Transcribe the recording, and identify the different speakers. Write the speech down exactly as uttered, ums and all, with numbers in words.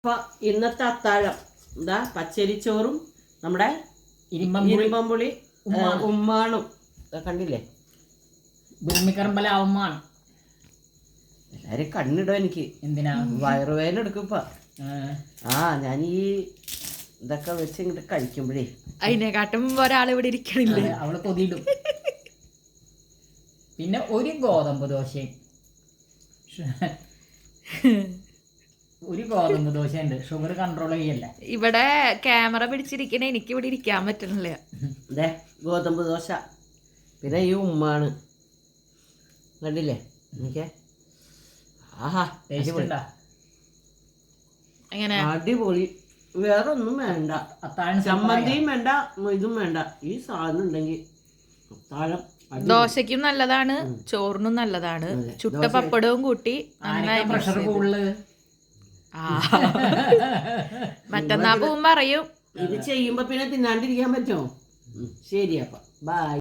Speaker 1: അപ്പൊ ഇന്നത്തെ അത്താഴം എന്താ പച്ചരിച്ചോറും നമ്മുടെ ഇരുമ്പമ്പുളി ഉമ്മാണും കണ്ടില്ലേ.
Speaker 2: ഭൂമിക്കറമ്പലാവുമാണ്
Speaker 1: എല്ലാരും കണ്ണിടോ എനിക്ക്.
Speaker 2: എന്തിനാ
Speaker 1: വയറുവേദന എടുക്കും ഇപ്പൊ. ആ ഞാൻ ഈ ഇതൊക്കെ വെച്ച് ഇങ്ങോട്ട് കഴിക്കുമ്പോഴേ
Speaker 3: അതിനെക്കാട്ടും ഒരാൾ ഇവിടെ ഇരിക്കണില്ലേ,
Speaker 2: അവള് കൊതിയിടും. പിന്നെ ഒരു ഗോതമ്പ് ദോശയും ഒരു ഗോതമ്പ് ദോശ ഉണ്ട്. ഷുഗർ കൺട്രോൾ ചെയ്യല്ല.
Speaker 3: ഇവിടെ ക്യാമറ പിടിച്ചിരിക്കണ എനിക്ക് ഇവിടെ ഇരിക്കാൻ പറ്റണില്ല.
Speaker 1: അതെ ഗോതമ്പ് ദോശ പിന്നെ ഈ ഉമ്മാണ് കണ്ടില്ലേ. എനിക്ക് ആഹാ
Speaker 3: എങ്ങനെ
Speaker 1: അടിപൊളി. വേറെ ഒന്നും വേണ്ട, ചമ്മന്തിയും വേണ്ട, ഇതും വേണ്ട. ഈ സാധനം ഉണ്ടെങ്കിൽ അത്താഴം
Speaker 3: ദോശയ്ക്കും നല്ലതാണ്, ചോറിനും നല്ലതാണ്. ചുട്ട പപ്പടവും കൂട്ടി നന്നായി. മറ്റന്നാ പോകുമ്പോ അറിയും.
Speaker 1: ഇത് ചെയ്യുമ്പോ പിന്നെ തിന്നാണ്ടിരിക്കാൻ പറ്റുമോ? ശരി അപ്പൊ ബൈ.